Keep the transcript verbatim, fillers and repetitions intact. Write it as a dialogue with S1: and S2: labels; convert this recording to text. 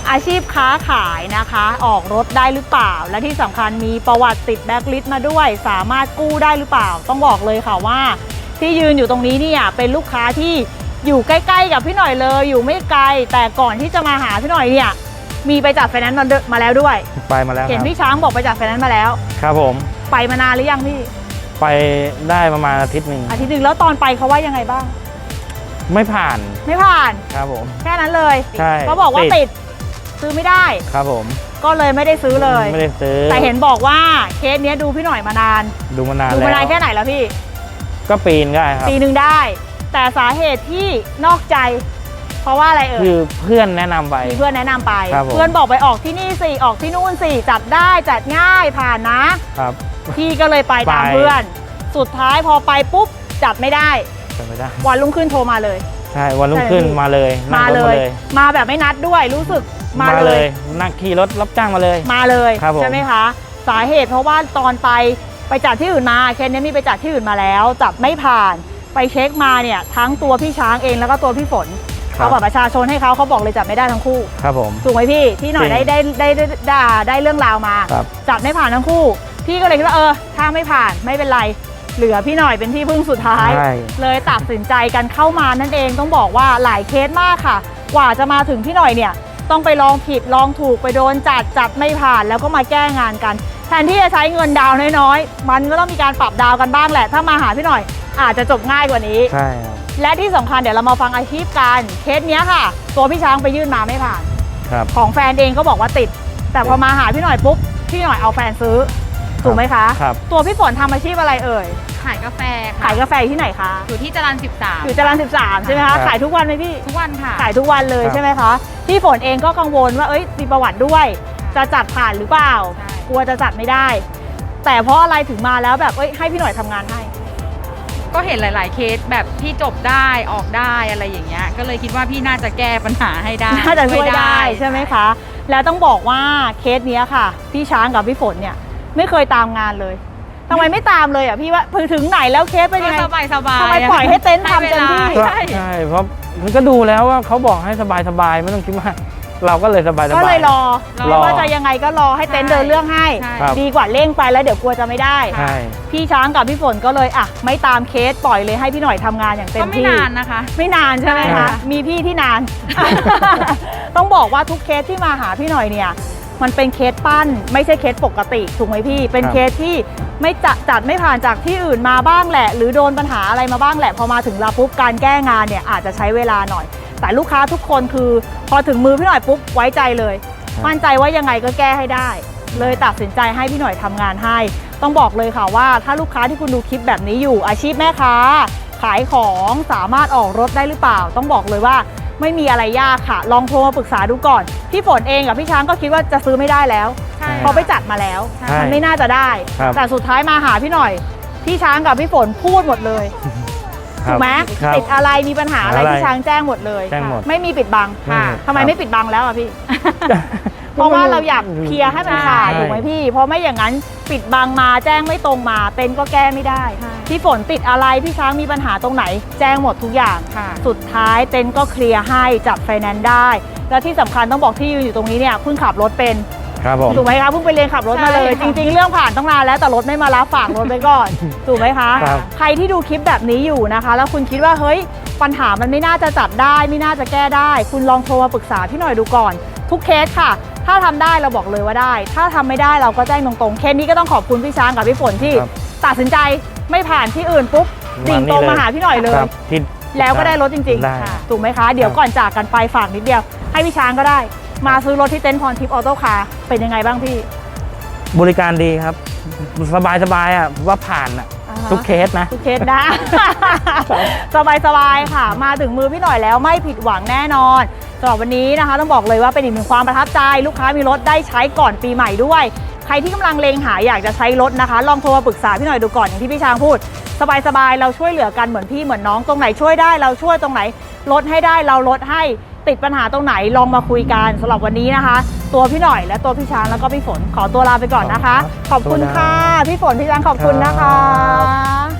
S1: อาชีพค้าขายนะคะออกรถได้หรือเปล่าและที่สำคัญมีประวัติติดแบ็คลิสต์มาด้วยสามารถกู้ได้หรือเปล่าต้องบอกเลยค่ะว่าที่ยืนอยู่ตรงนี้เนี่ยเป็นลูกค้าที่อยู่ใกล้ๆกับพี่หน่อยเลยอยู่ไม่ไกลแต่ก่อนที่จะมาหาพี่หน่อยเนี่ยมีไปจัดไฟแนนซ์มาแล้วด้วย
S2: ไปมาแล้ว
S1: เห็นพี่ช้างบอกไปจัดไฟแนนซ์มาแล้ว
S2: ครับผม
S1: ไปมานานหรือยังพี่
S2: ไปได้ประมาณอาทิตย์หนึ่ง
S1: อาทิตย์หนึ่งแล้วตอนไปเขาว่ายังไงบ้าง
S2: ไม่ผ่าน
S1: ไม่ผ่าน
S2: ครับผม
S1: แค่นั้นเลย
S2: ใช่
S1: เขาบอกว่าติดซื้อไม่ได้
S2: ครับผม
S1: ก็เลยไม่ได้ซื้อเลย
S2: ไม่ได้ซื้อ
S1: แต่เห็นบอกว่าเคสนี้ดูพี่หน่อยมานาน
S2: ดูมานาน
S1: ดูมานานแค่ไหนแล้วพี่
S2: ก็ปีนได้ครับ
S1: ปีหนึ่งได้แต่สาเหตุที่นอกใจเพราะว่าอะไรเอ่ย
S2: คือเพื่อนแนะนำไป
S1: เพื่อนแนะนำไปเพื่อนบอกไปออกที่นี่สิออกที่นู่นสิจัดได้จัดง่ายผ่านนะครับพี่ก็เลยไปตามเพื่อนสุดท้ายพอไปปุ๊บจัดไม่ได้
S2: จัดไม่ได้
S1: วันรุ่งขึ้นโทรมาเลย
S2: ใช่วันรุ่งขึ้นมาเลย
S1: มาเลยมาแบบไม่นัดด้วยรู้สึกมาเลย
S2: นั่งขี่รถรับจ้างมาเลย
S1: มาเลยใช่ไหมคะสาเหตุเพราะว่าตอนไปไปจัดที่อื่นมาเคสนี้มีไปจัดที่อื่นมาแล้วจับไม่ผ่านไปเช็คมาเนี่ยทั้งตัวพี่ช้างเองแล้วก็ตัวพี่ฝนเอาบัตรประชาชนให้เขาเขาบอกเลยจับไม่ได้ทั้งคู่
S2: ครับผม
S1: ถูกไหมพี่ที่หน่อยได้ได้ได้ได้ได้เรื่องราวมาจับไม่ผ่านทั้งคู่พี่ก็เลยคิดว่าเออถ้าไม่ผ่านไม่เป็นไรเหลือพี่หน่อยเป็นที่พึ่งสุดท้ายเลยตัดสินใจกันเข้ามานั่นเองต้องบอกว่าหลายเคสมากค่ะกว่าจะมาถึงพี่หน่อยเนี่ยต้องไปลองผิดลองถูกไปโดนจัดจัดไม่ผ่านแล้วก็มาแก้งานกันแทนที่จะใช้เงินดาวน้อยๆมันก็ต้องมีการปรับดาวกันบ้างแหละถ้ามาหาพี่หน่อยอาจจะจบง่ายกว่านี้
S2: ใช่ครับ
S1: และที่สำคัญเดี๋ยวเรามาฟังอาชีพกันเคสนี้ค่ะตัวพี่ช้างไปยื่นมาไม่ผ่านของแฟนเองก็บอกว่าติดแต่พอมาหาพี่หน่อยปุ๊บพี่หน่อยเอาแฟนซื้อถูกไหมคะตัวพี่ฝนทำอาชีพอะไรเอ่ย
S3: ขายกาแฟ
S1: ขายกาแฟที่ไหนคะ
S3: อยู่ที่จรัญสิบสาม
S1: อยู่จรัญสิบสามใช่ไหมคะขายทุกวันไหมพี่
S3: ทุกวันค่ะ
S1: ขายทุกวันเลยใช่ไหมคะพี่ฝนเองก็กังวลว่าเอ้ยมีประวัติด้วยจะจัดผ่านหรือเปล่ากลัวจะจัดไม่ได้แต่เพราะอะไรถึงมาแล้วแบบเอ้ยให้พี่หน่อยทำงานให้
S3: ก็เห็นหลายๆเคสแบบที่จบได้ออกได้อะไรอย่างเงี้ยก็เลยคิดว่าพี่น่าจะแก้ปัญหาให้ได้
S1: น่าจะช่วยได้ใช่ไหมคะแล้วต้องบอกว่าเคสนี้ค่ะพี่ช้างกับพี่ฝนเนี่ยไม่เคยตามงานเลยทำไมไม่ตามเลยอ่ะพี่ว่าถึงไหนแล้วเคสเป็นยังไง
S3: สบายสบาย
S1: ทำไมปล่อยให้เต็นท์ทำเต็มที่
S2: ใช่ใช่เพราะมันก็ดูแล้วว่าเขาบอกให้สบายสบายไม่ต้องคิดว่าเราก็เลยสบายสบาย
S1: ก็เลยรอรอว่าจะยังไงก็รอให้เต็นท์เดินเรื่องให้ดีกว่าเร่งไปแล้วเดี๋ยวกลัวจะไม่ได้พี่ช้างกับพี่ฝนก็เลยอ่ะไม่ตามเคสปล่อยเลยให้พี่หน่อยทำงานอย่างเต็มที่
S3: ไม่นานนะคะ
S1: ไม่นานใช่ไหมคะมีพี่ที่นาน ต้องบอกว่าทุกเคสที่มาหาพี่หน่อยเนี่ยมันเป็นเคสปั้นไม่ใช่เคสปกติถูกไหมพี่เป็นเคสที่ไม่จัดจัดไม่ผ่านจากที่อื่นมาบ้างแหละหรือโดนปัญหาอะไรมาบ้างแหละพอมาถึงเราปุ๊บการแก้งานเนี่ยอาจจะใช้เวลาหน่อยแต่ลูกค้าทุกคนคือพอถึงมือพี่หน่อยปุ๊บไว้ใจเลยมั่นใจว่ายังไงก็แก้ให้ได้เลยตัดสินใจให้พี่หน่อยทำงานให้ต้องบอกเลยค่ะว่าถ้าลูกค้าที่คุณดูคลิปแบบนี้อยู่อาชีพแม่ค้าขายของสามารถออกรถได้หรือเปล่าต้องบอกเลยว่าไม่มีอะไรยากค่ะลองโทรมาปรึกษาดูก่อนพี่ฝนเองกับพี่ช้างก็คิดว่าจะซื้อไม่ได้แล้วเพราะไปจัดมาแล้วมันไม่น่าจะได้แต่สุดท้ายมาหาพี่หน่อยพี่ช้างกับพี่ฝนพูดหมดเลยถูกไหมติดอะไรมีปัญหาอะไรพี่ช้างแจ้งหมดเลยไม่มีปิดบังทำไมไม่ปิดบังแล้วอ่ะพี่เพราะว่าเราอยากเคลียร์ให้มันขาดถูกไหมพี่เพราะไม่อย่างนั้นปิดบังมาแจ้งไม่ตรงมาเต็นท์ก็แก้ไม่ได้พี่ฝนติดอะไรพี่ช้างมีปัญหาตรงไหนแจ้งหมดทุกอย่างสุดท้ายเต็นท์ก็เคลียร์ให้จับไฟแนนซ์ได้และที่สำคัญต้องบอกที่ยืนอยู่ตรงนี้เนี่ยเพิ่งขับรถเป็นถูกไหมคะเพิ่งไปเรียนขับรถมาเลยจริงๆเรื่องผ่านตั้งนานแล้วแต่รถไม่มารับฝากรถไว้ก่อนถูกไหมคะใครที่ดูคลิปแบบนี้อยู่นะคะแล้วคุณคิดว่าเฮ้ยปัญหามันไม่น่าจะจัดได้ไม่น่าจะแก้ได้คุณลองโทรมาปรึกษาพี่หน่อยดูก่อนทุกเคสค่ะถ้าทำได้เราบอกเลยว่าได้ถ้าทำไม่ได้เราก็แจ้งตรงๆเคสนี้ก็ต้องขอบคุณพี่ช้างกับพี่ฝนที่ตัดสินใจไม่ผ่านที่อื่นปุ๊บจริงตรงมาหาพี่หน่อยเลยแล้วก็ได้รถจริงๆถูกไหมคะเดี๋ยวก่อนจากกันไปฝากนิดเดียวให้พี่ช้างก็ได้มาซื้อรถที่เต็นท์พรทิพย์ออโต้คาร์เป็นยังไงบ้างพี่
S2: บริการดีครับสบายสบายอ่ะว่าผ่านอ่ะทุกเคสนะ
S1: ทุกเคสนะสบายสบายค่ะมาถึงมือพี่หน่อยแล้วไม่ผิดหวังแน่นอนสำหรับวันนี้นะคะต้องบอกเลยว่าเป็นอีกหนึ่งความประทับใจลูกค้ามีรถได้ใช้ก่อนปีใหม่ด้วยใครที่กำลังเลงหาอยากจะใช้รถนะคะลองโทรมาปรึกษาพี่หน่อยดูก่อนอย่างที่พี่ช้างพูดสบายๆเราช่วยเหลือกันเหมือนพี่เหมือนน้องตรงไหนช่วยได้เราช่วยตรงไหนลดให้ได้เราลดให้ติดปัญหาตรงไหนลองมาคุยกันสำหรับวันนี้นะคะตัวพี่หน่อยและตัวพี่ช้างแล้วก็พี่ฝนขอตัวลาไปก่อนนะคะขอบคุณค่ะพี่ฝนพี่ช้างขอบคุณนะคะ